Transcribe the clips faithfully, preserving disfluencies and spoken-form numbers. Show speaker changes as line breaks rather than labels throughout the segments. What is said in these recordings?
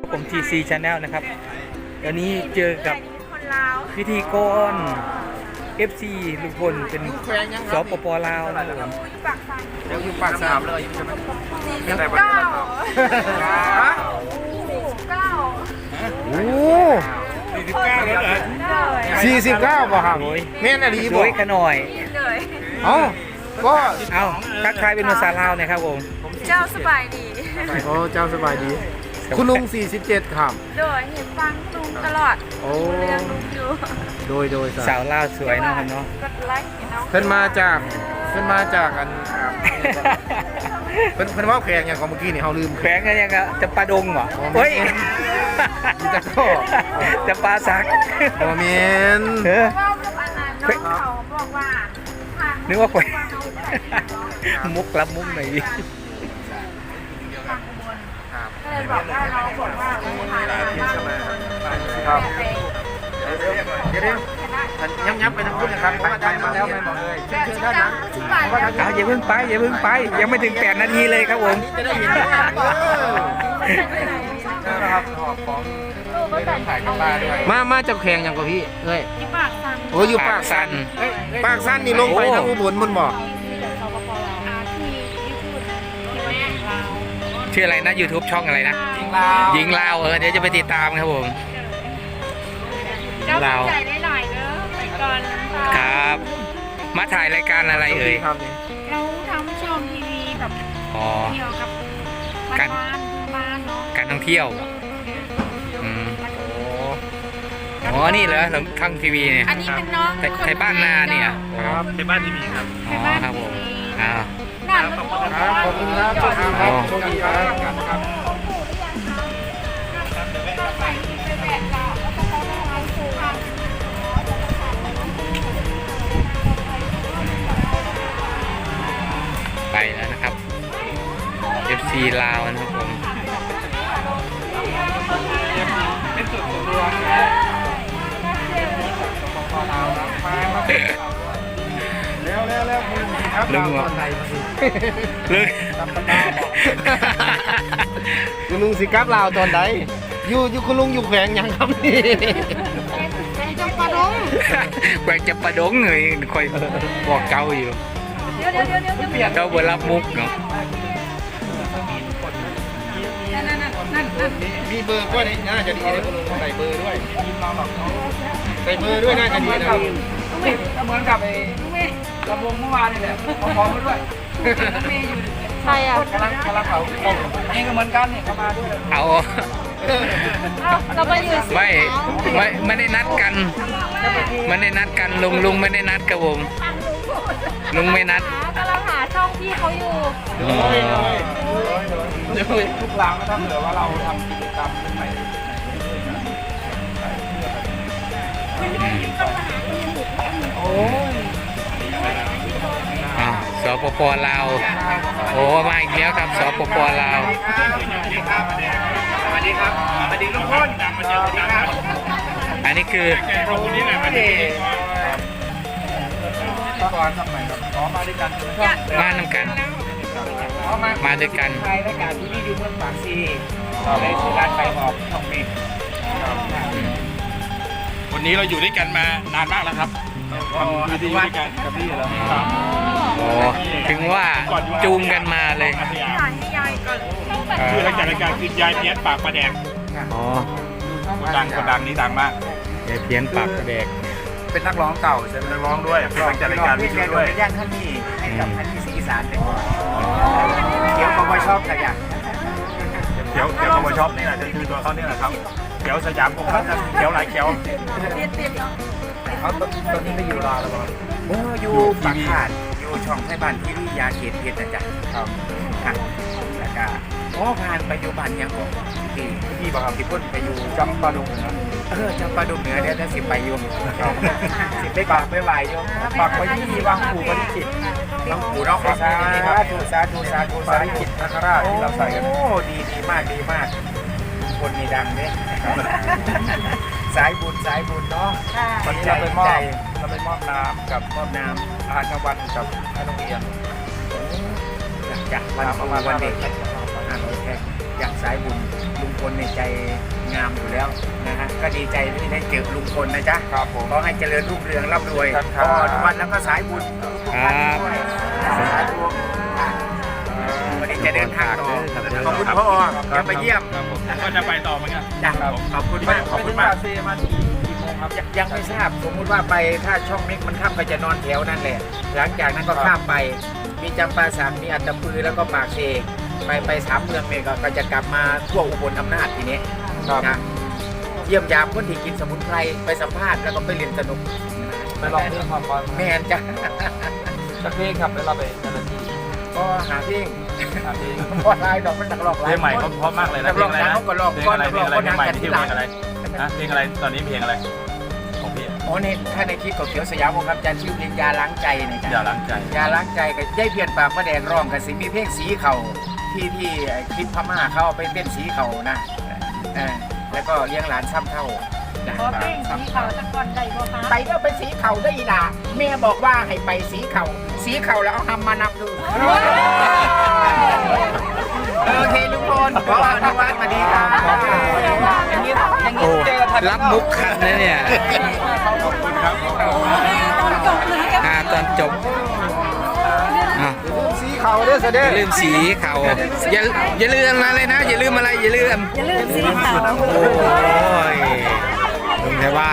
ผม ที ซี Channel นะครับเดี๋ยวนี้เจอกับพิธีกร เอฟ ซี ลุงพลเป็นสปปลาวนะครับผม
เดี๋ยวอยู่ปากสามเลยใช่ไหม
เก้าฮะเก้า
โอ้
สี่สิบเก้าแล้วเหรอ
สี่สิบเก้าป่ะครับแม่นอะไร
ส
บ่
วยขน่อย
เลย
เอ้าก็
เอาทักทายเป็นภาษาลาวหนะครับผม
เจ้าสบายดี
โอ้เจ้าสบายดี คุณลุงสี่สิบเจ็ดครับ
โดยเห็นฟังลุงตลอด
โอ้
เรื่องลุงอยู่
โดยโดย
สาวลาวสวยเนาะครับเนาะ
กดไลค์เนาะ
เพิ่นมาจากเพิ่นมาจากอันเพิ่นเพิ่นว่าแขกอย่างของเมื่อกี้นี่เฮาลืม
แขวงกันยังกะจะปลาดงเหรอเฮ้ย
อีตะโก้
จะปลาสัก
บ่แม่น
เออ
ว่ากับอันนั้นน้องเขาบอกว่า
นึกว่าแขวงมุกรับมุกหน่อยดิ
ก็เลยบอกว่าน้องบอกว่าเออผ่านมาบ้าง
ครับเดี๋ยวๆย้ำย้ำไปทางคุณนะครับมาได้มาแล้วไม่บอกเลยเชิญเชิญด้านนั้น
เอาอย่าเพิ่งไปอย่าเพิ่งไปยังไม่ถึงแปดนาทีเลยครับผม
จะได้เห็นนะครับของถ่ายกันมาด้วยมามาจากแข่งอย่างกับพี่เอ้ย
ที่ปากสั่น
โอ้อยู่ปากสันปากสันนี่ลงไปทางอุบลมันบอก
อาที่ญี่ปุ่นที่แม่ลาว
ชื่ออะไรนะ YouTube ช่องอะไรนะ
จริงลาว
หญิงลาวเออเดี๋ยวจะไปติดตามครับผม
เจ้าใจได้หน่อยเด้อไปก่อนน้ำตา
ครับ มาถ่ายรายการอะไรเอ่ย
เราทำช่องทีวีแบบ
อ๋อ
เกี่ยวกับบ้านบ้านเนาะ
การท่องเที่ยวอืมอ๋อนี่เหรอทางทีวีเนี่ย
อันนี้เป็นน้อง
ไทยบ้านนาเนี่ย
ครับในบ้านที่มีครับ
อ๋อครับผมอ้าว
น่ารัก
ครับขอบคุณครับขอบคุณครับโชคดีครับครับ
ใส่ที่ไปแบกเราแล้วก็เขาทำสูง
ไปแล้วนะครับ เอฟ ซี ลาวนะครับผม
เป็นส่วนตัวแล้วแล้วแล้วคุณครับ
ลุงเหรอ
ตอนไหน
ลึก
คุณลุงสิครับลาวตอนใดอยู่อยู่คุณลุงอยู่แขวงยังครับนี่
เป็นจำปาดง
แกวงจะประดงเลยคอยบอกเกาอยู่
เดี๋ยวเดี๋ยวเดี๋ยวเดี๋ยวเดี๋ยว
เกาบนรับมุกเนาะ
นั่นนั่นนั่นนั่น
มีเบอร์ก็ได้น่าจะดีเลยคุณลุงใส่เบอร์ด้วยใส่เบอร์ด้วยน่าจะดีนะ
ก็เหมือนกับไอ้ลำวงเมื่อวานนี่แหละเอาของมาด้วยมีอยู่
ใครอ่ะ
กำลังกำลังเขานี่ก็เหมือนกันนี่เขามาด้วย
เอา
เราไปอยู่
ไม่ไม่ไม่ได้นัดกันไม่ได้นัดกันลุงลุงไม่ได้นัดกับผมลุงไม่นัด
กำลังหาช่องที่เขาอยู่
อ๋อ
ทุกรางก็ทำเหลือว่าเราทำกิจกรรมเป็นไป
อ่าสปปลาวโอ้มาอีกแล้วครับสปปลาว
สวัสดีครับสวัสดีลุงพลมาเจอกันครับ
อันนี้คือ
ขอบคุณนี่แหละมาดีก่อนทำไมครับขอมาด้วยกัน
มานำกัน มาด้วยกัน
ใครรายการที่นี่อยู่เมืองปากซีต่อไปสู่การไปออกช่องบินวันนี้เราอยู่ด้วยกันมานานมากแล้วครับทำวิดีโอด้วยกันกับพี่แล้ว
โอ้ถึงว่าจูงกันมาเลย
ถ่ายให้ยายก่อน
คือรายการรายการคือยายเพี้ยนปากประแดง
อ๋อ
ดังกว่าดังนี้ดังมาก
ยายเพี้ยนปากกระแดก
เป็นนักร้องเก่าใช่ไหมนักร้องด้วยเป็นจัดรายการวิทยุด้วย
ย่างท่านนี่ให้กับท่านที่สีอีสานเป็นเดี๋ยวก็มาชอบกันอย่าง
เขียวเขียวคอมช็อปนี่แหละคือตัวเขาเนี่ยแหละครับเขียวสยามคงครับเขียวหลายเขียว
เขาตอนนี้ไม่อยู่รอแล้วโอ้อยู่ปากขาดอยู่ช่องไทยบ้านทีวียาเขตเพชรนะจ๊ะครับค่ะแล้วก็อ๋อผ่านไปอยู่บ้านยังของที่ที่บอกที่พุ่นไปอยู่จำปาดงเหนือเออจำปาดงเหนือเดี๋ยวจะสิไปอยู่สิไปปากไปไหวอยู่ปากไปที่วังปู่ปริจิตวังปู่น้องสาธุสาธุสาธุสาธุจิตนาคราชที่เราใส่กันโอ้ดีดีมากดีมาก คนมีดังเนี่ยสายบุญสายบุญเนาะ
วันนี้เราไปมอบเราไปมอบน้ำกับมอบน้ำอาหารกลางวันกับให้โรงเรียน
จากวันครูวันเด็กอ่านโอเคอย่างสายบุญลุงพลในใจงามอยู่แล้วนะฮะก็ดีใจที่ได้เจอลุงพลนะจ๊ะ
ครับผม
ขอให้เจริญรุ่งเรืองร่ำรวย
ครับ
พอทุกวันแล้วก็สายบุญทุกๆท่านด้วยสาธุค่ะวันนี้จะเดินทางต่อขอบคุณพ่อยังมาเยี่ยม
ก็จะไปต่อเหมือนกัน
จ้ะขอบคุณมากขอบคุณมาก
เซมากี่กี่โมงครับ
ยังยังไม่ทราบสมมุติว่าไปถ้าช่องเม็กมันข้ามก็จะนอนแถวนั่นแหละหลังจากนั้นก็ข้ามไปมีจำปาสักมีอัตตปือแล้วก็ปากเซไปไปสามเมืองเนี่ยก็จะกลับมาทั่วอุบลอำนาจทีนี้
ครับ
นะเยี่ยมยามคนที่กินสมุนไพรไปสัมภาษณ์แล้วก็ไปเรียนสนุก
ไปลองเพลงความก่อน
แมนจ้ะ
สักเพลงครับแล้วเราไปแต่ละที่
ก็หาเพลง
หาเพลง
พอลายดอกมันนักร้องห
เพ
ลา
ล
ย
งใหม่เขาเพราะมากเลยนะ
นัก
เพล
ร้อง ง
อะไร
ดัง
นะ
เขาก็ร้อง
เพลง
ก้อน
อะไร
นัก
เพล
ร้อง
งอะไร
ก็
เพล
ดั
ง
ง
ใหม่
กัน
ที่
ที
ชื่อ
ห
เพ
ลัง
ลงอะไรฮะเพลงอะไรตอนนี้เพลงอะไรของพี่
โอ้ในถ้าในคลิปของเขียวสยามวงศ์ครับจันทร์ชื่อเพลงยาล้างใจนะ
อ
จ๊ะ
ย่าล้างใจ
ยาล้างใจกับยายเพียนปากมะแดงร้องกับสิมีเพลงสีเข่าที่ที่ไอ้คลิปพม่าเขาเอาไปเต้นสีเข่านะเออแล้วก็เลี้ยงหลานซ้ำเท่าจ้ะ
พอปิ้งสีขาวตะกอนได้บ่คะ
ไปแล้วไปสีเข่าได้อีหล่ะแม่บอกว่าให้ไปสีเข่าสีเข่าแล้วเอาทำมานำดูโอเคลุงพลขออนุวัฒน์สวัสดีครับอย่างนี้อย่าง
โอ้
นี้เจอทัน
รับมุกคันนะเนี่ย
ขอบคุณครับ
จบเลยกับ
อ่าตอนจบอ่ะ
สีเขาเด้อเส
อ
ด็จ
ย่าลืมสีเขาอย่าอย่าลืมอะไรนะ อย่าลืมอะไรอย่าลืม
อย่าลืมสีขาว
โอ้ยลุงในบ้าน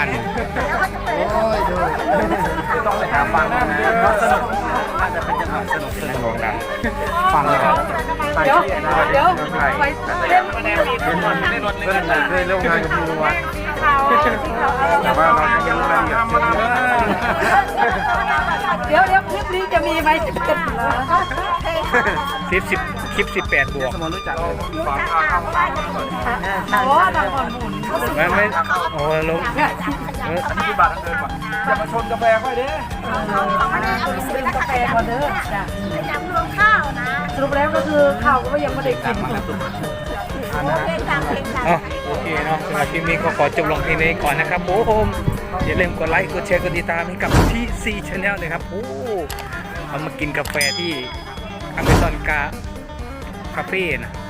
ต้องไปหาฟังเพราะสนุกน่าจะเป็นจังหวะสนุกสนุกนะฟังเลยครับ
เดี๋ยวเดี๋ยวไปเล่น
เพื่อนเคยร่วมงานกับพี่ลุงวัด
สีขาวสีขาว
แต่ว่าเรายังไม่ได้ทำมาแล้ว
เดี๋ยวเดี๋ยวคลิปนี้จะมีไหมจะเป็น
คลิปสิบคลิปสิบแปดบวก
สมมติรู้จักฟังข้าวข้าว
โอ้บางคนหมุน
ไม่ไม่โอ้ลงเออ
ที่บาทเดินก่อนอย่ามาชนกาแฟค่อยเด้
ซื้อกาแฟก่อนเด้อจ้ะสรุปแล้วก็คือข้าวก็ยังไม่ได้กิน
อ๋อโอเคเนาะสำหรับคลิปนี้ก็ขอจบลงเพียงนี้ก่อนนะครับผมอย่าลืมกดไลค์กดแชร์กดติดตามให้กับที่ ซี Channel เลยครับโอ้เอามากินกาแฟที่อเมซอนกาคาเฟ่นะ